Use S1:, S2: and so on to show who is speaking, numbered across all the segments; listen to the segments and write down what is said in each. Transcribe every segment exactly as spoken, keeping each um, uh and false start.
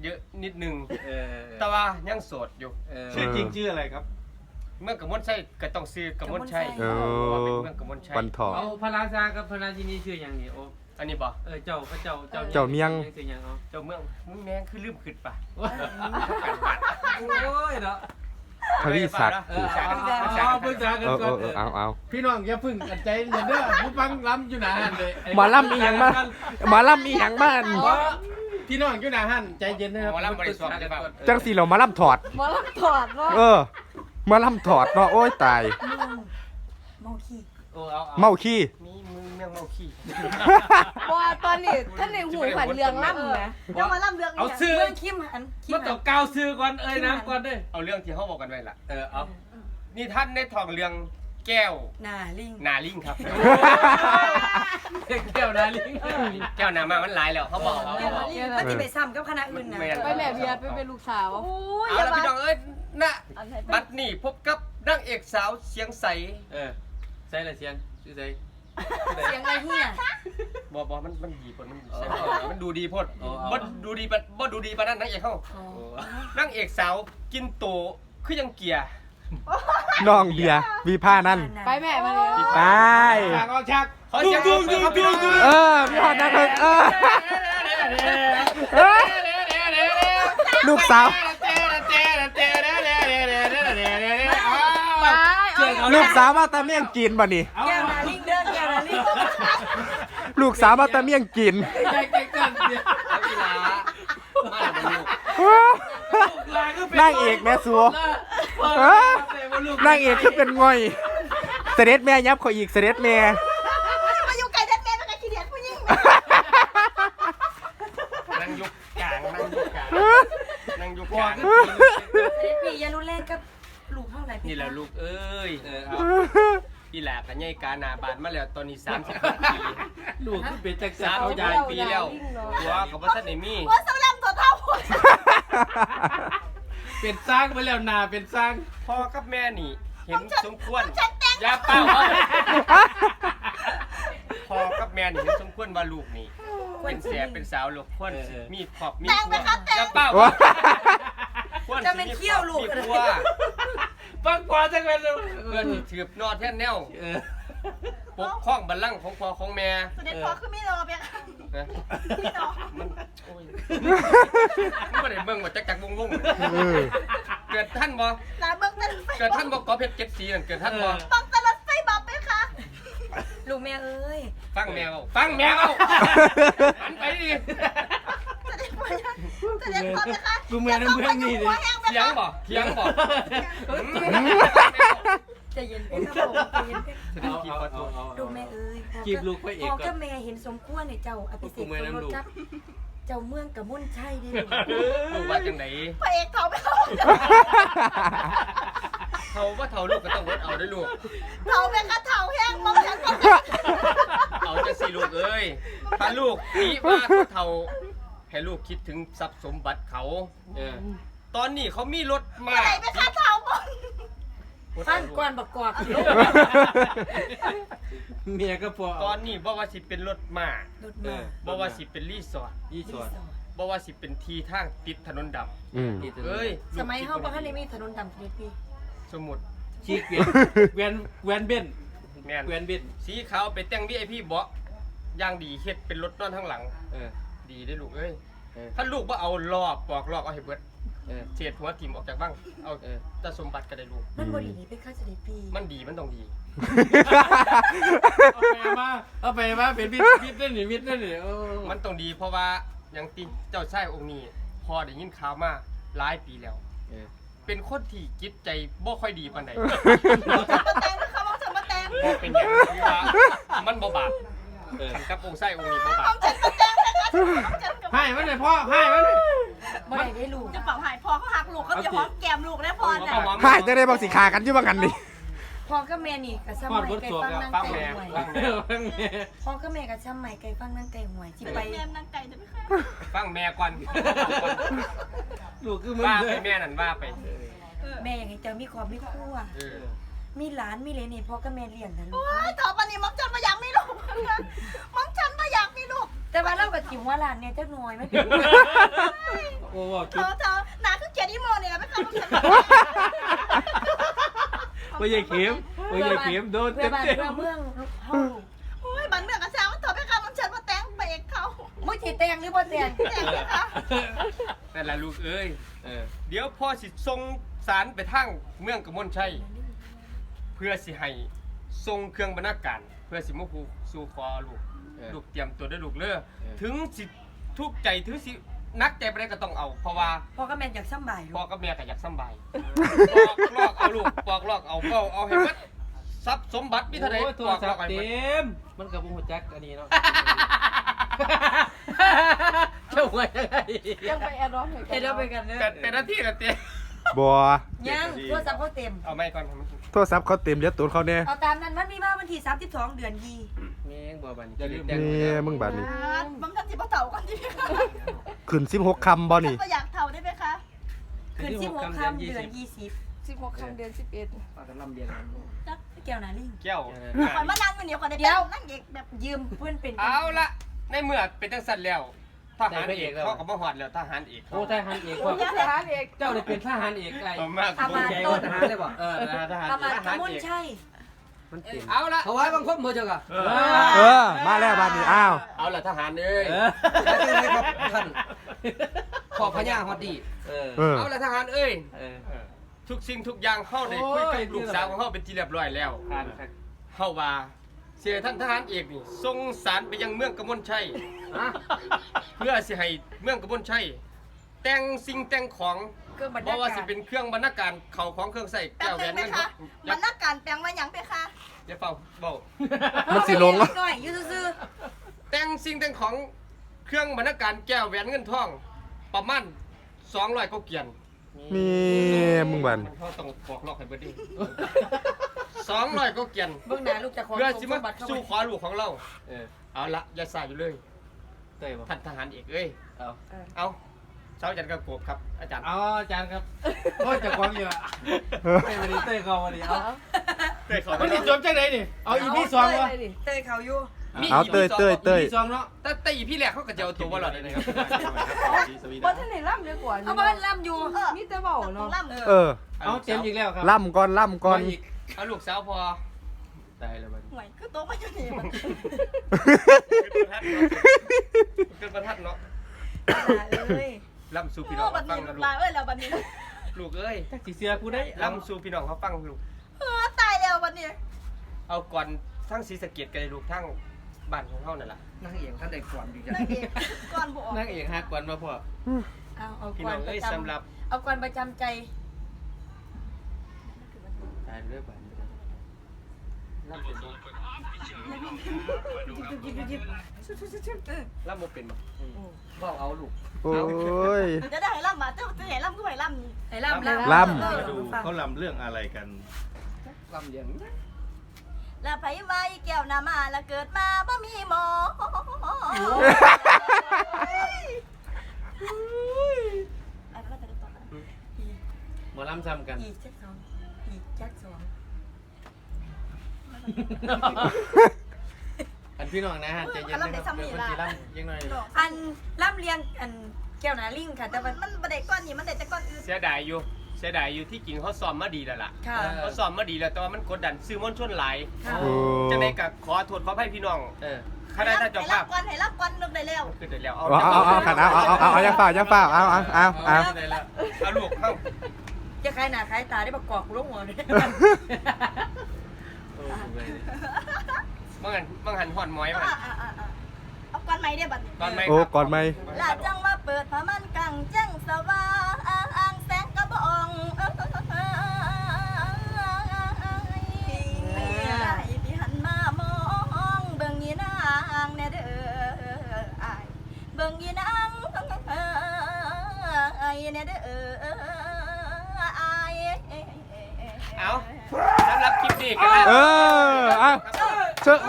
S1: เยอะนิดนึง
S2: เออ
S1: แต่ว่ายังโสดอยู่
S2: ชื่อจริงชื่ออะไรครับ
S1: เมืองกมลชัยก็ต้องซื้อกมลชัย
S3: เอ
S1: เพราะว่าเป็น
S3: อ
S1: เมืองกมลชัย
S3: วันทอง
S2: เอาพระราชากับพระราชินีชื่ออย่างนี้โอ้
S1: อันนี้บ่
S2: เออเจ้าพระเจ้าเจ้า
S3: เจ้าเมียง
S2: ชื่ออย่างเอา
S1: เจ้าเมืองมึงแมงคือลืมขึ้นปะ
S2: โอ้ยเนาะ
S3: ทวีศักดิ์
S2: เออเอาปรึกษากัน
S3: เออ
S2: ก่อน
S3: เออเอาเอา
S2: พี่น้องอย่าพึ่งกันใจเย็นเด้อผู้ฟังล้ำอยู่หนาหันเลย
S3: หมอลำอีหยังมาหมอลำอีหยังบ้าน
S2: พี่น้องอยู่หนาหันใจเย็นนะครับ
S1: หมอลำบริสุทธิ์เลยเปล่า
S3: จังสีเรามาลำถอด
S4: หมอลำถอดเนาะ
S3: เออ มาลำถอดเนาะโอ้ยตาย
S4: เมาขี้
S2: โอ้เอา
S3: เมาขี้
S1: มีมึงเมืองเมาขี้
S4: ว่าตอนนี้ท่านในหูผันเรืองล่ำนะเรื่องมาล่ำเรื่อง
S2: เอาซื้อ
S4: เรื่องคิมหันคิม
S2: มา
S4: หั
S2: ต่อน ก้าวซื้อก่อนเอ้ยนะก่อนเด้อ
S1: เอาเรื่องที่เขาบอกกันไว้ล่ะ
S2: เออเอา
S1: นี่ท่านได้ทองเรื่องแก้ว
S4: น่าลิง
S1: นาลิงครับ
S2: แก้วนาลิง
S1: แก้วนามามันหลายแล้วเขาบอกเขา
S4: แก้ว
S1: บอก
S4: นาลิงก็ที่ไปซ้ำกับคณะอื่นนะ
S5: ไปแม่เบียร์ไปเป็นลูกสาว
S4: โอ้ย
S1: เอา
S4: อย่า
S1: ละ
S4: มา
S1: พี่น้องเอ้ยนะบัดนี้พบกับนางเอกสาวเสียงใส
S2: เออใส่ละเสียงชื่อใส่
S4: เสียงอะไรเฮีย
S1: บอบอมันมันดีพดมันใส่
S2: อ๋อ
S1: มันดูดีพด
S2: อ๋อ
S1: บ่ดูดีปะบ่ดูดีปะนั่นนางเอกเขานางเอกสาวกินโตคือยังเกียร์
S3: น้องเบียร์วีผ้านั่น
S5: ไปแม่มาเลย
S3: ไป
S2: ฉากเอาฉาก
S1: ขอเสียงปรบมือครับพี่น้อง
S3: เออพี่ฮอดนะเพิ่งเออเออลูกสาว ลูกสาวมาตะเมี่ยงกินบ่นี่
S4: แก้วนาลิงเด้อแก้วนาลิง
S3: ลูกสาวมาตะเมี่ยงกิน
S2: ใจเก่งกันเนี่ย
S1: เอากีฬามาแล้วลูก
S3: นางเอกแม่สัว นางเอกคือเป็นง่อย เสด็จแม่ยับเขาอีกเสด็จแม่
S4: มาอยู่ไกลแท้ๆแล้วก็ขี้เดียดผู้หญิง
S1: นั่งยุกกลางนั่งยุกกลางนั่งยุกกลาง
S4: พี่อย่ารุนแรงกับลูกเท่าไหร่
S1: นี่แหละลูกเอ้ย
S2: เออเอา
S1: อีหลากันใหญ่กาหนาบานมาแล้วตอนนี้สามสิบปี
S2: ลูกคือเป็นจักร
S1: สาม
S2: เอา
S1: สิบ
S2: ใหญ่
S1: ปีแล้วหัวกับว่าท่านไอ้มี่
S4: ว่าสลัมตัวเท่าคน
S2: เป็นสร้างไปแล้วนาเป็นสร้าง
S1: พ่อกับแม่นี่เห็นสมควรอย่าเป้าพ่อกับแม่นี่เห็นสมควรว่าลูกนี่เป็นเสียเป็นสาวลูกควรมีขอบมีครัวอย่าเป้าควร
S4: จะเป็นเขี้ยวลูก
S1: มี
S4: เลย
S1: ครัว
S2: ฟังกว่าจังเลย
S1: เพื่อนที่ถือบนอแท่นแนว
S2: เออ
S1: ปกครองบัลลังก์ของพ่อของแม่
S4: เสด็จพ่อคือไม่รอเพียง
S1: นะ
S4: ไม่รอ
S1: มันโอ้ยมันไม่ได้เบิ่งว่าจักจักวงวง
S3: เออ
S1: เกิดท่านบ่
S4: ลาเบิ้งตันไฟ
S1: เกิดท่านบ่กอเพชรเจ็ดสีนั่นเกิดท่านบ่
S4: บังตลอดไฟบับไหมคะลูกแม่เอ้ย
S1: ฟังแมวฟังแมวหันไปดิ
S4: เสด็จพ่อเสด็จพ่อไหมคะ
S2: กูเมืองน้ำเมืองนี่เลย
S1: เถียงบ่เถียงบ่
S4: จะเย็นเป็นครับผมจะเย็นเป็น
S1: แสดงกี่ขอโทษ
S4: ลูกแม่เอ้ย
S2: จีบลูกพระเอก
S4: พ่อ
S2: ก่
S4: กั
S2: อบ น
S4: แม่เห็นสมควรในเจ้าอภิเษกสมรสกับเจ้าเมืองกับมุ่นชัยดิ
S1: ลูกว่าจังไหน
S4: พระเอกเขาไม่เขา
S1: เขาว่าเท่าลูกก็ต้องวดเอาด้วยลูก
S4: เขาเป็นกระเถาแห้งมองฉันก็
S1: เอาจังสิลูกเอ้ยถ้าลูกนี่ว่าเขาเท่าให้ลูกคิดถึงทรัพย์สมบัติเขา
S2: เออ
S1: ตอนนี้เขามีรถมา
S4: ไหนเป็นกระเถาบนฟันกวนบักกอกลูก
S2: เมียก็พอ
S1: ตอนนี้บ่ว่าสิเป็นรถมาร
S4: ถมา
S1: บ่ว่าสิเป็นรีสอร์ท
S2: ยี่สอด
S1: บ่ว่าสิเป็นทีทางติดถนนดำ
S3: อืม
S1: เอ้ย
S4: สมัยเฮาบ่ทันได้มีถนนดำเสด็จพี่
S1: สมุด
S2: ชีกเวียนเวียนเวียนเบน
S1: แม่น
S2: เวียนเบน
S1: สีขาวไปแต่ง วี ไอ พี เบาะอย่างดีเฮ็ดเป็นรถนอนทั้งหลัง
S2: เออ
S1: ดีได้อลูกเอ้ย
S2: เออ
S1: ถ้าลูกว่าเอาลอบปอกลอกเอาให้เบิด
S2: เออ
S1: เศษหัวทิ่มออกจากบ้างเอา
S2: เออ
S1: แต่สมบัติก็ได้ลูก
S4: มันบ่ดีนี่เป็นข้าเสด็จพี่
S1: มันดีมันต้องดี
S2: เอาไปมาเอาไปมาเป็นมิดมิดนั่นนี่มิดนั่นนี่โอ้
S1: มันต้องดีเพราะว่าอย่างติเจ้าชายองค์นี้พอได้ยินข่าวมาหลายปีแล้ว
S2: เออ
S1: เป็นคนที่จิตใจบ่ค่อยดีปานใด
S4: มาแต่งนะคะมองฉันมาแต่ง
S1: บ่เป็นอย่างที่ว่ามันบ่บาป
S2: เออ
S1: ขันกับองค์ชายองค์นี้บ่บาม
S4: องฉันมาแต่งนะคะมองฉันกับ
S2: ให้มันเลยพ่อให้มันเลย
S4: บ่ได้ได้ลูก
S6: จะเป่าหายพอเขาหักลูกเขาจะหอมแก้มลูกได้พอ
S1: เอา
S6: จ้ะ
S1: เอาหอม
S3: หายจะได้บอกสิขากันอยู่บ้างกันนี่
S4: พ่อกับแม่นี่ก็ซ้ำใหม่ไก่ฟังนั่ง
S1: ฟัง
S4: ไก่
S1: แม่
S4: หวย
S1: ฟัง
S2: เอ
S1: แม่
S2: อ
S4: พ่อกับแม่ก็ซ้ำใหม่ไก่ฟังนั่งไก่หวยสิไป
S6: แม่นางไก่จะไม่ค่อย
S1: ฟังแม่ก่อน
S2: ลูกคือมึง
S1: ว่า
S2: เล
S1: ไป
S2: ย
S1: แม่นั่นว่าไป
S4: แม่อยากให้เจ้ามีครอบมีครัว
S1: เออ
S4: มีหลานมีเหลนให้พ่อกับแม่เลี้ยงนะลูก
S6: โอ้ยต่อไปนี้มองฉันมาอยากมีลูกมองฉันมาอยากมีลูก
S4: แต่ว่าเรากับจิ๋วว่าหลานเนี่ยจักหน่อยไม่เป็น
S2: โอ้โห
S6: เธอเธอหนาคือเกียรติโมเนี่ยไม่เคยรู้สึก
S2: ไม่ใช่เข็มไม่ใช่เข็มโดน
S4: เพื่
S2: เต็
S4: อ
S2: ม
S4: บ้าน
S2: เต็ม
S4: เพื่อเมืองเฮา
S6: โอ้ยบันเมืองกระซ้ามันเธอไม่เคยมันเชิญมาแต่งไปเอกเขา
S4: มึงสิแต่งหรือบ่แต่ง
S6: แต่งไหมคะ
S1: นั่นล่ะลูกเอ้ย
S2: เออ
S1: เดี๋ยวพ่อสิส่งสารไปทางเมืองกมลชัยเพื่อสิให้ส่งเครื่องบรรณาการเพื่อสิมาผูกสู่คอลูกลูกเตรียมตัวด้วยลูกเด้อถึงสิทุกข์ใจถึงสินักใจไปได้ก็ต้องเอา เพราะว่า
S4: พ่อกับแม่อยากสำบาย
S1: พ่อกับแม่ก็อยากสำบายปอกลอกเอาลูกปอกลอกเอาเป้าเอาให้หมดทรัพย์สมบัติมีเท่าไหร่
S2: โอ้ย
S1: ป
S2: โท
S1: อ
S2: ร
S1: กล
S2: ศั
S1: อ
S2: พ
S1: ก
S2: ท์
S1: ให้หมด
S2: เต็มมันกับบุ้งหัวจักอันนี้เนาะเจ้าไว้ยังไง
S5: ยังไปแอดรอนเหมือนกั
S4: เฮ็ดเอาไปกันเด้อ
S1: เป็นเป็นหน้าที่กันเต้
S3: บัว
S4: ยังโทรศัพท์เขาเต็ม
S1: เอาไม่ก่อน
S3: โทรศัพท์เขาเต็มเดี๋ยวตูนเขาเนี่ย
S4: เอาตามนั้นมันมีมาวันที่สามสิบสองเดือนยี
S2: แม่งบ่บัน
S1: อย่าลืม
S3: นี่มึงบัดนี้
S6: บางท่านสิบ่เถ่ากันดิ
S3: ขึ้นสิบหกคำบ่นี่
S6: ก็อยากเถ่าได้ไหมคะ
S4: ขึ้นสิบหกค่ำเดือนยี่สิบ
S5: สิบหกคำเดือนสิบเอ็ด
S2: ปากกันลำเดียน
S4: จักแก้วหนาลิง
S1: แก้ว
S6: ก่อนมานั่งอยู่เดี๋ยวก่อนได้นั่งเอกแบบ
S4: ยืมเพื่อนเป็น
S1: เอาละในเมื่อเป็นจังสันแล้วทหารเอกเขาก็มาหอดแล้วทหารเอก
S2: โอ้ทหารเอกว่า
S5: ทหารเอก
S2: เจ้าได้เป็นทหารเอกไง
S1: เอามาก
S4: อามา
S2: ใหญ่
S4: ต้
S2: กว่าน ทหารเลยบ่เออทหาร
S4: อามาตะมุนใช่
S2: มันเต็ม
S1: เอาละ
S2: เขาไว้บางคนบ่เจ้ากะ
S3: เออ มาแล้วบัดนี้อ้าว
S1: เอาละทหารเอ้ย
S2: เออแล้วจะได้ครับท่านขอบพญาฮอดดีเออ
S3: เออ
S1: เอาละทหารเอ้ย
S2: เออ
S1: ทุกสิ่งทุกอย่างเข้าได้คุยกับลูกสาวของเขาเป็นที่เรียบร้อยแล้ว
S2: ผ่านครับ
S1: เข้าว่าเสียท่านทหารเอกนี่ส่งสารไปยังเมืองกมลชัย
S2: ฮะ
S1: เพื่อสิให้เมืองกมลชัยแต่งสิ่งแต่งของ
S4: เครื่องบรร
S1: เพ
S4: ณา
S1: ราะว่า
S4: การ
S1: สิเป็นเครื่องบรรณาการเข่าของเครื่องใส่
S6: แปล
S1: แก้
S6: ง
S1: วแหว
S6: เป็น
S1: น
S6: ไหม
S1: เงิน
S6: คะบรรณาการแปลงว่าอย่างไปคะ
S1: อย่าเฝ้าเบา
S3: มันสิลง
S4: ห
S3: อ่ะ
S4: น่อยอยู่ซื่อ
S1: แต่งสิ่งแต่งของเครื่องบรรณาการแก้วแหวนเงินทอง ประมาณสองร้อยกว่าเกียน
S3: มีมึงบัน
S1: เขาต้องบอกลอกให้เบิดดิสองร้อยกว่าเกียน
S4: ๆเบื้องหน้าลูกจะขอ
S1: เพื่อ
S4: ส่ง
S1: สิ
S4: ส
S1: มาม
S4: บัติเข้า
S1: สู้
S4: ไป
S1: ขอลูกของเรา
S2: เออ
S1: เอาละอย่าสายอยู่เลย
S2: เต้ยบ่
S1: ท่านทหารเอกเอ้ย
S2: เอา
S1: เอาเช้าจันทร์กับโกบครับ อาจารย์
S2: เอาอาจารย์ครับโอ้ยจะควงอยู่อ่ะเต้ยวันนี้เต้ยเขาวันนี้เอา
S1: เต้ยขอ
S2: มันจะจบจังไหนนี่เอาอีพีสองวะ
S4: เตยเขาอยู่
S3: เอาเตยเตยเตย
S2: อีพีสองเนาะ
S1: แต่แต่อีพี่แรกเขาก็จะเอาตัวว่าหลอดเลยนะครับ
S5: ว่าท่านไหนล่ำเยอะกว่า
S4: เอาบ้านล่ำอยู่
S5: นี่จะเบาเนาะ
S6: ล่ำ
S3: เออ
S2: เอาเต็มอีกแล้วครับ
S3: ล่ำก่อนล่ำก่อน
S2: อีก
S1: เอาลูกสาวพอ
S2: ตายแล้วบัด
S6: หวยคือโต๊ะมาอยู่นี่มัน
S1: เกินประทัดเนาะ
S4: เอ้ย
S1: ล่ำสู่พี่น้อง
S6: บั
S1: เขา
S6: น
S1: ฟั
S6: นี้
S1: งนะลู
S6: ลาก เอ้ยแล้วบันนี้
S1: ลูกเอ้ย
S2: จักสิเสือกูได้
S1: ล่ำสู่พี่น้องเขาฟังลูก
S6: เออตายแล้วบันนี้
S1: เอาก่อนทั้งศรีสะเกดกันเลยลูกทั้งบ้านของเขานั่นแหละ
S2: นั่งเอกท่านได้ก่อนอยู่จ้ะ
S6: นางเอกก่อนบออก
S2: นั่งเอกฮักก่อนมาพ่อ
S4: เอาเอา
S1: พี่
S4: ก่อ
S1: น้อน ง
S4: ป
S1: เอ้ย
S4: ระจ
S1: สำหรับ
S4: ำเอาก่อนประจำใจ
S2: ตายเรื่อยไป
S1: ล่ำเป็นบ่ล่ำบ่เป็นบ่
S2: บอกเอาลูก
S3: โอ้ย
S6: จะได้ให้ล่ำมาจะจะให้ล่ำก็ให้ล่ำนี่
S4: ไอ้ล่ำล่ำ
S3: ล่
S7: มาดูเขาลำเรื่องอะไรกัน
S2: ลำเลียง
S6: ละไผไว้แก้วนามาละเกิดมาบ่มีหมออะไรก็จะได้ต่อกัน
S2: หมอลำซ้ำกัน
S4: อีกแจ็คสองอีกแจ็คสอง
S2: อันพี่น้องนะฮะใจเย็นนะครับเดี๋ยวคนจีลำยังไง
S4: อันล่ำเลียงอันแก้วหนาลิงค่ะแต่ว่า
S6: มันบันไดก้อนนี่มันเด็ดแต่ก้อนอื่น
S1: เสียดายอยู่เสียดายอยู่ที่จริงเขาซ้อมมาดีแล้วล่ะ
S4: ค่ะ
S1: เขาซ้อมมาดีแล้วแต่ว่ามันกดดันซื้อมวลชนหลาย
S4: ค่ะ
S3: โอ้
S1: จังได๋ก็ขอโทษขออภัยพี่น้อง
S2: เออ
S1: คณะท่านเจ้าภาพ
S6: ให้ล่ำก้อนให้ล่ำก้อนนึกได้แล้ว
S1: ขึ้นได้แล้วเอา
S3: เอาเอาเอาขันเอาเอาเอาเอาเอายังเปล่ายังเปล่าเอาเอาเอาเอา
S2: ได้แล้ว
S1: เอาลูกเข้า
S4: จะคล้ายหน้าคล้ายตาได้ประกอบกูลงหัวเลย
S2: โอ้โหเลย
S1: บางหันบางหันห่อนหมอยบางหัน
S6: เอาก้อนไม้ได้บัดนี้
S1: ตอนไหม
S3: โอ้ก่อนไหม
S6: ลาจังมาเปิดผ้ามันกังจังสว่างแสงกระบองไม่ได้ที่หันมามองเบิ่งยีนางแน่เด้ออายเบิ่งยีนางอายแน่เด้ออาย
S1: เอาสำหรับคลิปนี้กัน
S3: เออเอาเชิญ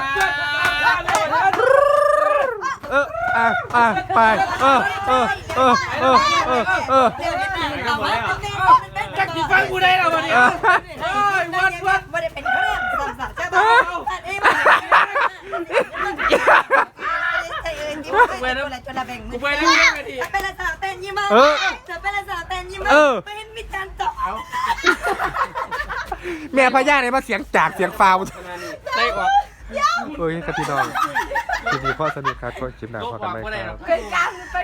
S3: เอออ่ะอ่ะไปเออเออเออเออเออเออ
S4: เดี๋ยวนี้เอาไว้ตรงนี้
S2: จักสิฟังกูได้แล้ววันนี้
S4: โอ้ยวัดวัดไม่ได้เป็นเครื่องสามสามใช่ป่ะอันนี้มัน
S6: ไปแล้วจนละแบ่งมื
S1: กู
S6: อ
S1: ไปเรื่องกันที
S6: จะเป็นละสาวเต้นยิ้มมา
S3: เออ
S6: จะเป็นละสาวเต้นยิ้มมา
S3: เออ
S6: ไปเห็นมิจันต่อเอา
S3: แม่พญาเนี่ยมาเสียงจากเสียงฟาว
S1: ได้ก่อน
S3: โอ้ยครับพี่น้องคลิปนี้พ่อสนุกครับก็คลิปหน้าพ่อกันไหมครับ
S5: เป็นการไป